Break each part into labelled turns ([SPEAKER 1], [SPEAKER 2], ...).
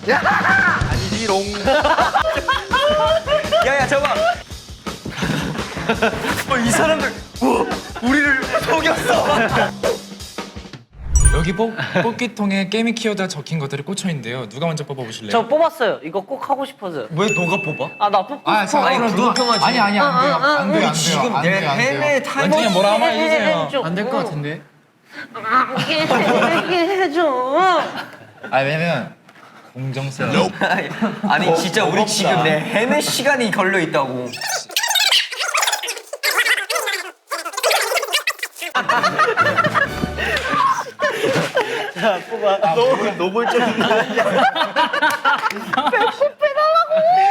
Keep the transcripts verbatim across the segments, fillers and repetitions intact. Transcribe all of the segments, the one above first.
[SPEAKER 1] 아니지롱. 야야 잠깐. 어, 이 사람들 우와, 우리를 속였어.
[SPEAKER 2] 여기 뽑, 뽑기통에 게임 키워드가 적힌 것들이 꽂혀 있는데요. 누가 먼저 뽑아보실래요?
[SPEAKER 3] 저 뽑았어요. 이거 꼭 하고 싶어서요.
[SPEAKER 1] 왜 너가 뽑아?
[SPEAKER 3] 아, 나 뽑고
[SPEAKER 2] 아,
[SPEAKER 3] 싶어.
[SPEAKER 2] 자, 그럼 누가
[SPEAKER 1] 불평하지.
[SPEAKER 2] 아니 아니 안 돼요. 안 돼요. 안 돼요.
[SPEAKER 1] 지금
[SPEAKER 2] 안
[SPEAKER 1] 내
[SPEAKER 2] 돼요, 안 돼요.
[SPEAKER 1] 헬멧 타임
[SPEAKER 2] 원장님 뭐라 한번 해주세요.
[SPEAKER 3] 해줘.
[SPEAKER 2] 안 될 것 같은데.
[SPEAKER 3] 이게 해줘.
[SPEAKER 2] 아 왜냐면 공정성.
[SPEAKER 1] 아니 진짜 우리 지금 내 헬멧 시간이 걸려 있다고.
[SPEAKER 3] 자, 뽑아.
[SPEAKER 1] 너 노골적인 거 아니야?
[SPEAKER 3] 배꼽 빼달라고.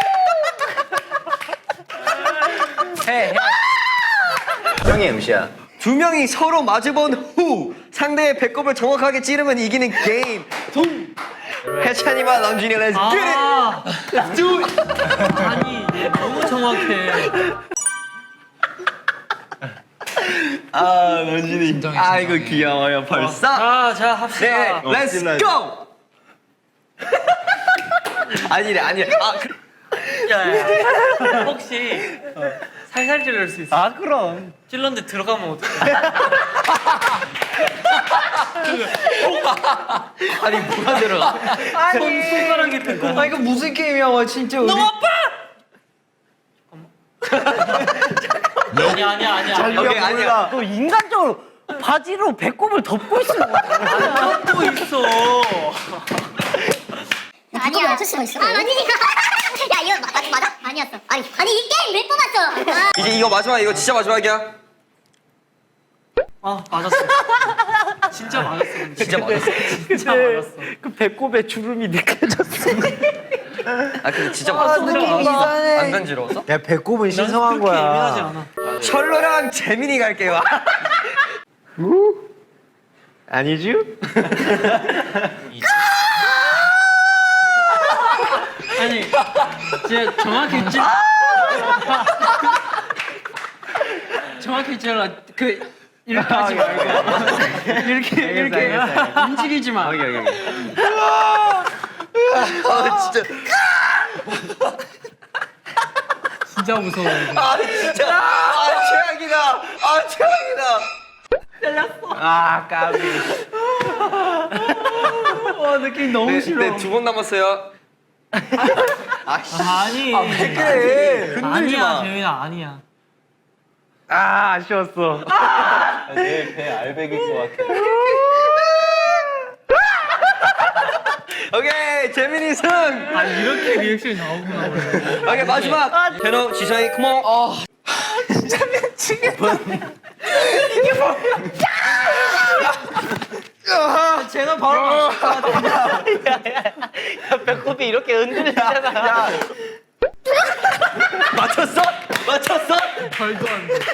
[SPEAKER 3] 해, 해.
[SPEAKER 1] 형이 엠씨야. 두 명이 서로 마주본 후 상대의 배꼽을 정확하게 찌르면 이기는 게임. 동. 해찬이와 런쥔이 렛츠 겟 잇.
[SPEAKER 3] 아, let's do it. 아니, 얘 너무 정확해.
[SPEAKER 1] 아 런쥔이. 아이고 귀여워요 벌써.
[SPEAKER 3] 아, 자, 합시다.
[SPEAKER 1] 네, 렛츠 고. 아니래 아니래. 아 그...
[SPEAKER 3] 야, 야. 혹시 살살 찔릴 수 있어? 아, 그럼. 찔렀는데 들어가면 어떡해?
[SPEAKER 1] 아니 뭐가 들어가?
[SPEAKER 3] 아니. 손, 손가락이 들어가.
[SPEAKER 1] 아 이거 무슨 게임이야 와 진짜 우리.
[SPEAKER 3] 너무 아파! 아니야, 아니야, 아니야.
[SPEAKER 1] 오케이 아니야.
[SPEAKER 3] 너 인간적으로 바지로 배꼽을 덮고 있으면 안 덮고 있어.
[SPEAKER 4] 아니야. 맞출 수가 있어. 아, 아니니까. 야, 이거 맞, 맞, 맞아? 아니었어. 아니, 아니 이 게임 왜 뽑았어? 아.
[SPEAKER 1] 이제 이거 마지막 이거 진짜 마지막이야.
[SPEAKER 3] 아, 맞았어. 진짜 맞았어. 근데.
[SPEAKER 1] 진짜 맞았어.
[SPEAKER 3] 진짜 맞았어. 그 배꼽에 주름이 느껴졌어.
[SPEAKER 1] 아 근데 진짜 맞았어.
[SPEAKER 3] 느낌 이상해.
[SPEAKER 1] 안 간지러웠어?
[SPEAKER 5] 야 배꼽은 신성한
[SPEAKER 3] 그렇게 예민하지
[SPEAKER 5] 거야.
[SPEAKER 3] 않아.
[SPEAKER 1] 철로랑 재민이 갈게요.
[SPEAKER 5] 아니지?
[SPEAKER 3] 아니, 진짜 정확히 찔. 정확히 찔러. 그 이렇게 하지 말고 이렇게 이렇게 움직이지 마.
[SPEAKER 1] 아 진짜.
[SPEAKER 3] 진짜 무서워.
[SPEAKER 1] 아 진짜. 아 최악이다. 아 최악이다.
[SPEAKER 5] 아 까비.
[SPEAKER 3] 와, 느낌 너무 싫어.
[SPEAKER 1] 네 두 번 남았어요.
[SPEAKER 3] 아니.
[SPEAKER 1] 왜 그래? 흔들지
[SPEAKER 3] 아니야,
[SPEAKER 1] 마.
[SPEAKER 3] 재민아, 아니야.
[SPEAKER 5] 아 아쉬웠어.
[SPEAKER 1] 내배 알백일 것 같아. 오케이 재민이 승.
[SPEAKER 3] 아, 이렇게 리액션이 나오구나. 원래.
[SPEAKER 1] 오케이 마지막. 제노 지성이 컴온. 어. 진짜 미치겠다.
[SPEAKER 3] 쟤는 바로 야, 배꼽이 이렇게 흔들리잖아.
[SPEAKER 1] 맞췄어? 맞췄어?
[SPEAKER 3] 말도 안 돼.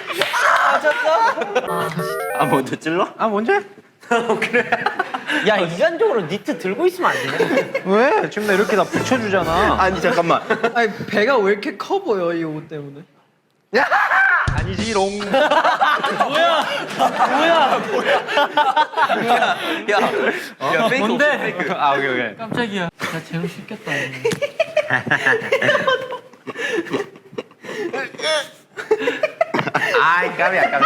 [SPEAKER 1] 아 먼저 찔러?
[SPEAKER 5] 아 먼저 해.
[SPEAKER 3] 야, 인간적으로 니트 들고 있으면 안 되냐?
[SPEAKER 5] 왜? 지금 나 이렇게 다 붙여주잖아.
[SPEAKER 1] 아니 잠깐만.
[SPEAKER 6] 아니 배가 왜 이렇게 커 보여 이 옷 때문에?
[SPEAKER 5] 아니지롱.
[SPEAKER 3] 뭐야? 뭐야?
[SPEAKER 1] 야, 야, 야, 페이크
[SPEAKER 3] 뭔데?
[SPEAKER 1] 없어, 페이크.
[SPEAKER 5] 아 오케이 오케이.
[SPEAKER 3] 깜짝이야. 야, 재우 씻겼다.
[SPEAKER 5] 아이 까비야 까비.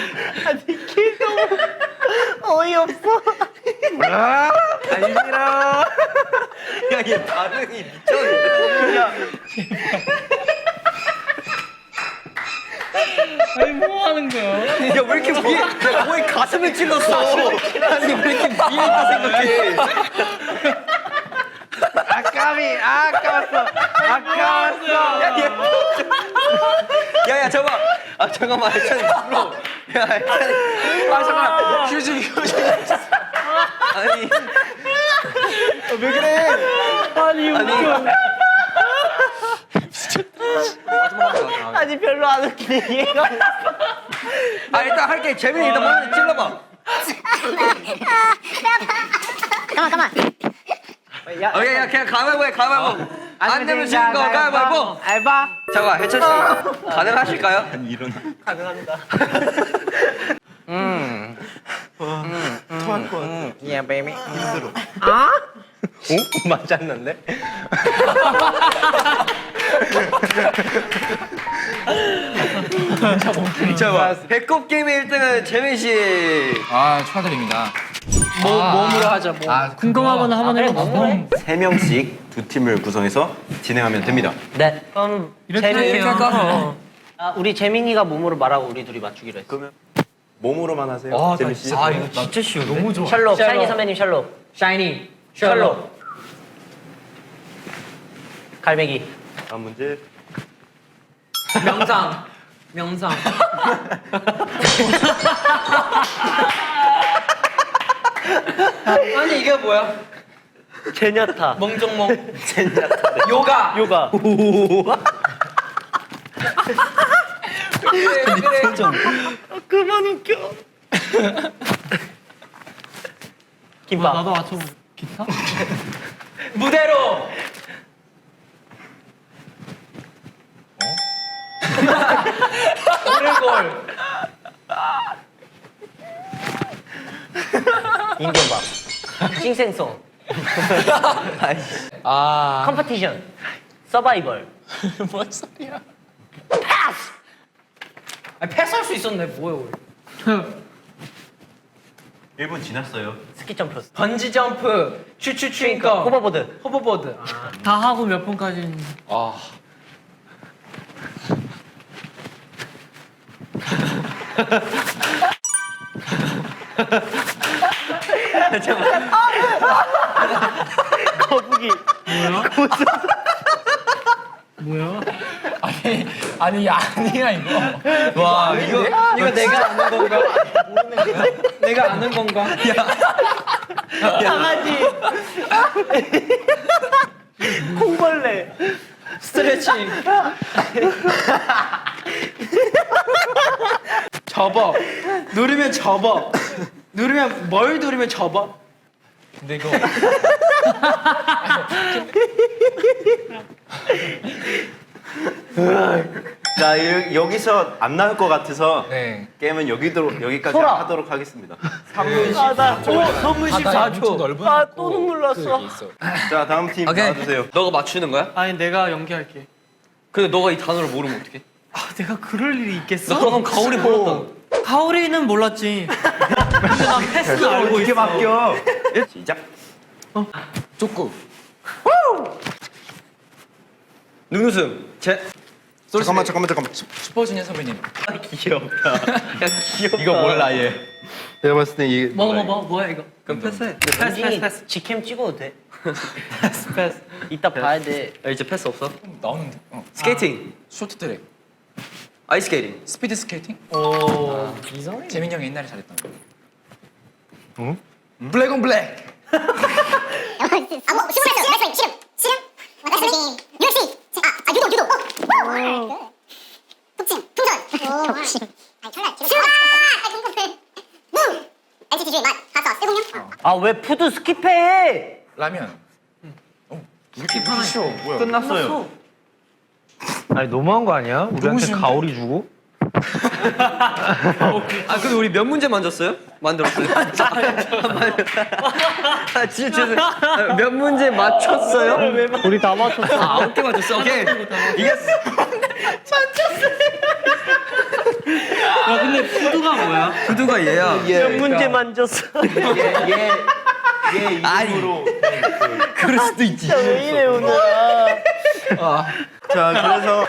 [SPEAKER 3] 어이없어.
[SPEAKER 5] 아니지롱.
[SPEAKER 1] 야, 얘 반응이 미쳤는데. 야,
[SPEAKER 3] 아니, 뭐 하는 거야?
[SPEAKER 1] 야, 왜 이렇게 위에, 야, 거의 가슴을 찔렀어. 아니, 왜 이렇게 위에 있다 생각해.
[SPEAKER 5] 아까비 아까웠어. 아까웠어.
[SPEAKER 1] 야, 야, 잠깐만. 아, 잠깐만. 해찬이 불러. 야, 해찬이. 아, 잠깐만. 휴지, 휴지. 아니. 아, 왜 그래?
[SPEAKER 3] 아니, 웃겨. 아니, 별로 안 웃기네, 얘가.
[SPEAKER 1] 아, 일단 할게. 재민이 일단 먼저 찔러봐.
[SPEAKER 4] 잠깐만, 잠깐만.
[SPEAKER 1] 오케이, 야, 그냥 가위바위보 해, 가위바위보. 안 되면 지는 거 가위바위보.
[SPEAKER 5] 알바.
[SPEAKER 1] 잠깐만, 해찬 씨. 가능하실까요?
[SPEAKER 3] 가능합니다.
[SPEAKER 5] 토할 것 같아. 야 베이비. 힘들어. 오? 맞았는데?
[SPEAKER 1] 자, 배꼽 게임의 일 등은 재민 씨.
[SPEAKER 2] 아 축하드립니다.
[SPEAKER 6] 뭐
[SPEAKER 2] 아,
[SPEAKER 6] 몸으로 하자. 뭐.
[SPEAKER 2] 아,
[SPEAKER 3] 궁금하거나 한번 해볼까요?
[SPEAKER 7] 세 명씩 두 팀을 구성해서 진행하면 됩니다.
[SPEAKER 8] 네. 그럼
[SPEAKER 3] 이렇게
[SPEAKER 8] 재민-
[SPEAKER 3] 이렇게 할까?
[SPEAKER 8] 아, 우리 재민이가 몸으로 말하고 우리 둘이 맞추기로 했어.
[SPEAKER 7] 그러면 몸으로만 하세요. 재민 씨.
[SPEAKER 1] 아, 이거 진짜 쉬운데? 너무 좋아.
[SPEAKER 8] 샬롯,
[SPEAKER 6] 샬롯.
[SPEAKER 8] 샤이니 선배님 샬롯.
[SPEAKER 6] 샤이니.
[SPEAKER 8] 샬롯. 갈매기.
[SPEAKER 7] 다음 문제.
[SPEAKER 6] 명상. 명상. 아니 이게 뭐야?
[SPEAKER 8] 제냐타.
[SPEAKER 6] 멍정멍. 요가.
[SPEAKER 8] 요가.
[SPEAKER 6] 그래 그래.
[SPEAKER 8] 그만 웃겨. 김밥.
[SPEAKER 3] 나도 맞춰. 기타?
[SPEAKER 6] 무대로. 오래골.
[SPEAKER 8] 인견밥. 싱생송.
[SPEAKER 2] 아
[SPEAKER 8] 컴퍼티션. 서바이벌.
[SPEAKER 2] 뭔 소리야?
[SPEAKER 8] 패스.
[SPEAKER 6] 아 패스할 수 있었네. 뭐야 우리.
[SPEAKER 7] 일 분 지났어요.
[SPEAKER 8] 스키 점프.
[SPEAKER 6] 번지 점프. 추추 추잉거.
[SPEAKER 8] 호버보드.
[SPEAKER 6] 호버보드. 아.
[SPEAKER 3] 다 하고 몇 분까지?
[SPEAKER 2] 아
[SPEAKER 8] 거북이.
[SPEAKER 3] 뭐야?
[SPEAKER 2] 아니 아니 아니야 이거.
[SPEAKER 1] 와, 이거.
[SPEAKER 6] 이거 내가 아는 건가? 모르는 거야? 내가 아는 건가?
[SPEAKER 8] 강아지. 콩벌레.
[SPEAKER 6] 스트레칭. 접어. 누르면 접어. 누르면 뭘 누르면 접어?
[SPEAKER 2] 근데 이거
[SPEAKER 7] 자, 이- 여기서 안 나올 것 같아서
[SPEAKER 2] 네.
[SPEAKER 7] 게임은 여기도 여기까지
[SPEAKER 8] 소라.
[SPEAKER 7] 하도록 하겠습니다.
[SPEAKER 8] 아, 나 오, 선물
[SPEAKER 2] 바다에 엄청
[SPEAKER 8] 십사 초.
[SPEAKER 2] 넓은
[SPEAKER 8] 아,
[SPEAKER 2] 그-
[SPEAKER 8] 또 눈물 났어.
[SPEAKER 2] 그게 있어.
[SPEAKER 7] 자, 다음 팀
[SPEAKER 1] 오케이.
[SPEAKER 7] 나와주세요.
[SPEAKER 1] 너가 맞추는 거야?
[SPEAKER 3] 아니 내가 연기할게.
[SPEAKER 1] 근데 너가 이 단어를 모르면 어떡해?
[SPEAKER 3] 아 내가 그럴 일이 있겠어?
[SPEAKER 1] 너 그럼 가오리 몰랐다.
[SPEAKER 3] 가오리는 몰랐지. 근데 난 패스 알고
[SPEAKER 7] 이렇게
[SPEAKER 3] 있어.
[SPEAKER 7] 바뀌어. 시작.
[SPEAKER 2] 족구.
[SPEAKER 1] 눈웃음. 제.
[SPEAKER 7] 잠깐만, 잠깐만, 잠깐만.
[SPEAKER 2] 슈퍼주니어 선배님.
[SPEAKER 7] 귀엽다.
[SPEAKER 1] 귀엽다.
[SPEAKER 7] 이거 몰라 얘. 내가 봤을 때 이게
[SPEAKER 3] 뭐 뭐 뭐 뭐야 이거?
[SPEAKER 1] 그럼 패스해.
[SPEAKER 3] 패스 패스 패스
[SPEAKER 8] 직캠 찍어도 돼?
[SPEAKER 3] 패스 패스.
[SPEAKER 8] 이따 봐야 돼.
[SPEAKER 1] 아, 이제 패스 없어?
[SPEAKER 2] 나오는데. 어.
[SPEAKER 1] 스케이팅.
[SPEAKER 2] 쇼트트랙.
[SPEAKER 1] 아이스케이팅.
[SPEAKER 2] 스피드 스케이팅?
[SPEAKER 3] 오.
[SPEAKER 2] 이상해. 재민 형이 옛날에 잘했던 거. 응? 블랙 온 블랙.
[SPEAKER 4] 아, 뭐, 시뮬레이션, 레슬링, 씨름, 씨름, 레슬링, 유에프씨, 아, 아, 유도, 유도, 오, 복싱, 풍선, 복싱, 아니, 철날, 슈가, 아, 궁금해, 무, 엔티티주의 맛, 가서, 세공룡,
[SPEAKER 8] 아, 왜 푸드 스킵해?
[SPEAKER 2] 라면. 어, 이렇게 쉬워. 뭐야?
[SPEAKER 7] 끝났어요.
[SPEAKER 5] 아니 너무한 거 아니야? 우리한테
[SPEAKER 2] 쉬운데?
[SPEAKER 5] 가오리 주고?
[SPEAKER 1] 아, 근데 우리 몇 문제 만졌어요? 만들었어요? 아, 진짜 죄송해요. 아, 몇 문제 맞췄어요?
[SPEAKER 8] 우리 다 맞췄어.
[SPEAKER 1] 아, 아홉 개 맞췄어. 오케이. 이겼어.
[SPEAKER 3] 야 근데 푸드가 뭐야?
[SPEAKER 1] 구두가 얘야.
[SPEAKER 8] 몇 문제 만졌어.
[SPEAKER 7] 얘
[SPEAKER 1] 아니.
[SPEAKER 7] 이름으로.
[SPEAKER 1] 그럴 수도 있지.
[SPEAKER 8] 왜 이래 오늘?
[SPEAKER 7] 자, 그래서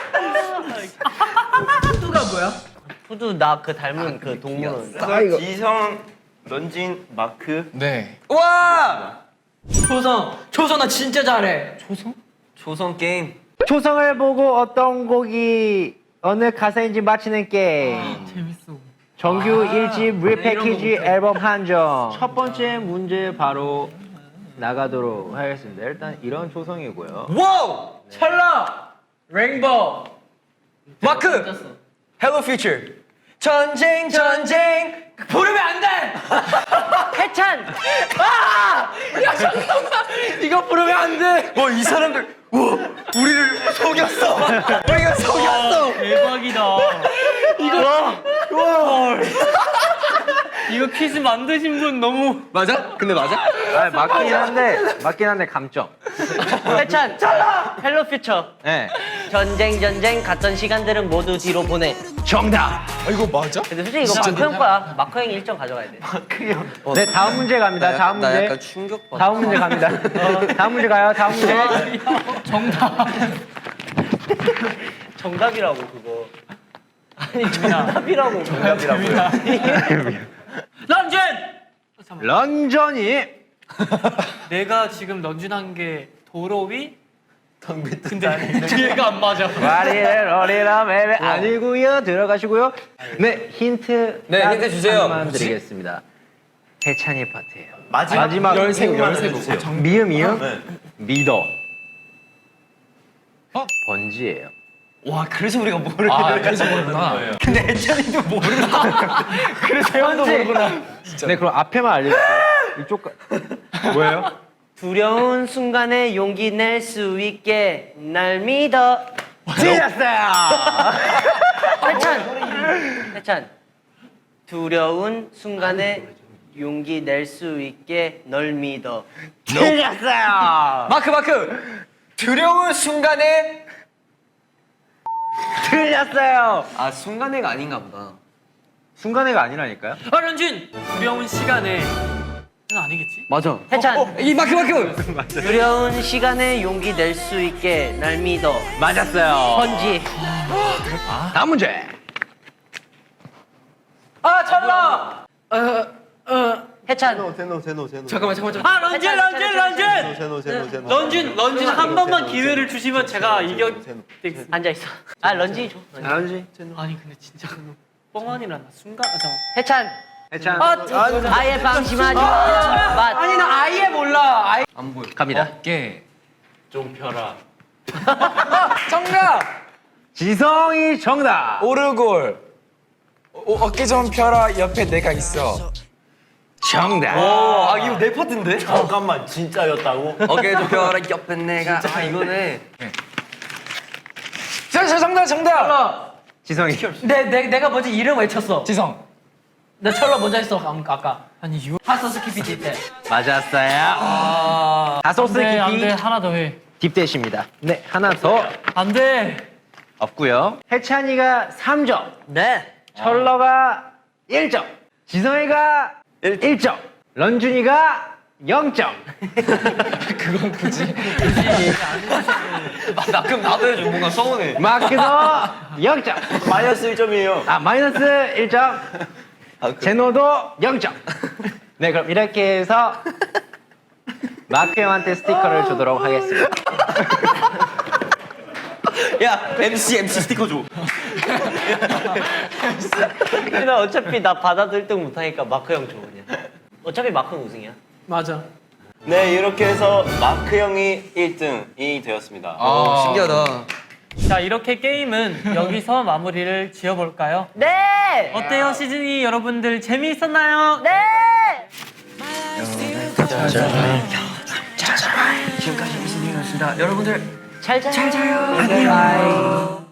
[SPEAKER 6] 푸드가 뭐야?
[SPEAKER 8] 푸드 나 그 닮은 그 동물원.
[SPEAKER 7] 그래서 지성, 런쥔, 마크.
[SPEAKER 2] 네.
[SPEAKER 1] 와!
[SPEAKER 6] 조성. 조성 나 진짜 잘해.
[SPEAKER 1] 조성 게임.
[SPEAKER 5] 초성을 보고 어떤 곡이 어느 가사인지 맞히는 게임.
[SPEAKER 3] 재밌어.
[SPEAKER 5] 정규 일 집 리패키지
[SPEAKER 6] 이런 거
[SPEAKER 5] 앨범 한정. 첫 번째 문제 바로 나가도록 하겠습니다. 일단 이런 초성이고요.
[SPEAKER 1] 와우!
[SPEAKER 6] 찰나. 레인보우.
[SPEAKER 1] 마크! 헬로 퓨처. 전쟁, 전쟁!
[SPEAKER 6] 부르면 안 돼.
[SPEAKER 8] 해찬.
[SPEAKER 6] 야 잠깐만. 이거 부르면 안 돼.
[SPEAKER 1] 와, 이 사람들, 우와, 우리를 속였어! 우리가 속였어!
[SPEAKER 3] 대박이다. 이거 퀴즈 만드신 분 너무
[SPEAKER 1] 맞아? 근데 맞아?
[SPEAKER 5] 아, 맞긴 한데 맞긴 한데 감점.
[SPEAKER 8] 해찬. 헬로 퓨처.
[SPEAKER 5] 네.
[SPEAKER 8] 전쟁 전쟁 갔던 시간들은 모두 뒤로 보내.
[SPEAKER 5] 정답.
[SPEAKER 2] 아 이거 맞아?
[SPEAKER 8] 근데 솔직히 이거 마크 형 거야. 마크 형이 일 점 가져가야 돼.
[SPEAKER 5] 네, 다음 문제 갑니다. 다음
[SPEAKER 1] 나
[SPEAKER 5] 문제.
[SPEAKER 1] 약간 충격받아.
[SPEAKER 5] 다음 문제 갑니다. 어, 다음 문제 가요. 다음 문제.
[SPEAKER 3] 정답.
[SPEAKER 8] 정답이라고 그거. 아니 정답이라고. 정답이라고.
[SPEAKER 3] 런쥔.
[SPEAKER 5] 런전이
[SPEAKER 3] 내가 지금 런쥔한 게 도로 위? 근데 뒤에가 안 맞아.
[SPEAKER 5] 와리를 어리라 매매 아니고요. 들어가시고요. 네, 힌트.
[SPEAKER 1] 네,
[SPEAKER 5] 딱
[SPEAKER 1] 힌트 주세요.
[SPEAKER 5] 하나만 드리겠습니다. 해찬이 파트예요.
[SPEAKER 7] 마지막,
[SPEAKER 5] 마지막
[SPEAKER 2] 열세 열세
[SPEAKER 7] 해주세요.
[SPEAKER 2] 부
[SPEAKER 5] 미음 이음
[SPEAKER 7] 네.
[SPEAKER 5] 미더.
[SPEAKER 2] 어?
[SPEAKER 5] 번지예요.
[SPEAKER 1] 와, 그래서 우리가 모르는
[SPEAKER 2] 아 그래서 모르구나.
[SPEAKER 1] 근데 해찬이도 모르나? 그래서 형도 모르구나.
[SPEAKER 5] 네, 그럼 앞에만 알려주세요. 이쪽 가... 뭐예요?
[SPEAKER 8] 두려운 순간에 용기 낼 수 있게 날 믿어.
[SPEAKER 5] 틀렸어요.
[SPEAKER 8] 해찬. 해찬. 두려운 순간에 용기 낼 수 있게 널 믿어.
[SPEAKER 5] 틀렸어요.
[SPEAKER 1] 마크 마크. 두려운 순간에
[SPEAKER 5] 틀렸어요.
[SPEAKER 1] 아, 순간애가 아닌가 보다.
[SPEAKER 5] 순간애가 아니라니까요.
[SPEAKER 3] 아 런쥔. 두려운 시간에. 는 아니겠지?
[SPEAKER 1] 맞아.
[SPEAKER 8] 해찬.
[SPEAKER 1] 이 마크 마크.
[SPEAKER 8] 두려운 시간에 용기 낼 수 있게 날 믿어.
[SPEAKER 5] 맞았어요.
[SPEAKER 8] 번지.
[SPEAKER 5] 다음 문제.
[SPEAKER 3] 아 찰나.
[SPEAKER 8] 해찬.
[SPEAKER 7] 제노 제노 제노.
[SPEAKER 1] 잠깐만 잠깐만.
[SPEAKER 3] 아 런쥔 런쥔 런쥔.
[SPEAKER 7] 제노 제노 제노.
[SPEAKER 3] 런쥔 런쥔 한 번만 기회를 주시면 제가 이겨.
[SPEAKER 8] 앉아 있어. 아 런쥔이 줘. 런쥔.
[SPEAKER 5] 런지.
[SPEAKER 3] 아니 근데 진짜 뻥아니라 나 순간. 아, 잠깐만.
[SPEAKER 8] 해찬.
[SPEAKER 5] 해찬.
[SPEAKER 3] 아,
[SPEAKER 8] 아예 방심하지 마. 맛.
[SPEAKER 6] 아니 나 아예 몰라. 아예.
[SPEAKER 1] 안 보여.
[SPEAKER 5] 갑니다.
[SPEAKER 2] 어깨.
[SPEAKER 3] 펴라.
[SPEAKER 2] 정답.
[SPEAKER 5] 지성이 정답.
[SPEAKER 2] 오르골. 어, 어깨 좀 펴라. 옆에 내가 있어.
[SPEAKER 5] 정답.
[SPEAKER 1] 아, 이거 내 파트인데?
[SPEAKER 7] 잠깐만 진짜였다고?
[SPEAKER 1] 어깨 좀 펴라 옆에 내가. 아, 이거네.
[SPEAKER 2] 자, 자 정답 정답.
[SPEAKER 5] 지성이.
[SPEAKER 6] 내, 내 내가 먼저 이름 외쳤어.
[SPEAKER 2] 지성.
[SPEAKER 6] 나 철로 먼저 했어 아까.
[SPEAKER 3] 아니 유.
[SPEAKER 6] 하소스 키피티 때.
[SPEAKER 5] 맞았어요. 다소스
[SPEAKER 3] 안돼 안돼
[SPEAKER 5] 깊이
[SPEAKER 3] 하나 더 해.
[SPEAKER 5] 딥대십니다. 네, 하나 더
[SPEAKER 3] 안돼.
[SPEAKER 5] 없고요. 해찬이가 삼 점,
[SPEAKER 8] 네.
[SPEAKER 5] 철러가 일 점, 지성이가 일 점, 런쥔이가 영 점.
[SPEAKER 2] 그건 굳이.
[SPEAKER 1] 나 그럼 나도 해줘. 뭔가 서운해.
[SPEAKER 5] 마크도 영 점.
[SPEAKER 7] 마이너스 일 점이에요.
[SPEAKER 5] 아, 마이너스 일 점. 제노도 영 점. 네, 그럼 이렇게 해서 마크 형한테 스티커를 주도록 하겠습니다.
[SPEAKER 1] 야, 엠씨 엠씨 스티커 줘.
[SPEAKER 8] 근데 어차피 나 받아도 일 등 못하니까 마크 형 줘 그냥. 어차피 마크는 우승이야.
[SPEAKER 3] 맞아.
[SPEAKER 7] 네 이렇게 해서 마크 형이 일 등이 되었습니다.
[SPEAKER 1] 아, 신기하다.
[SPEAKER 3] 자 이렇게 게임은 여기서 마무리를 지어볼까요?
[SPEAKER 8] 네.
[SPEAKER 3] 어때요 시즌이 여러분들 재미있었나요?
[SPEAKER 8] 네.
[SPEAKER 1] 지금까지 무슨 일이었습니다. 여러분들
[SPEAKER 8] 잘 자요.
[SPEAKER 1] 잘 자요. 안녕.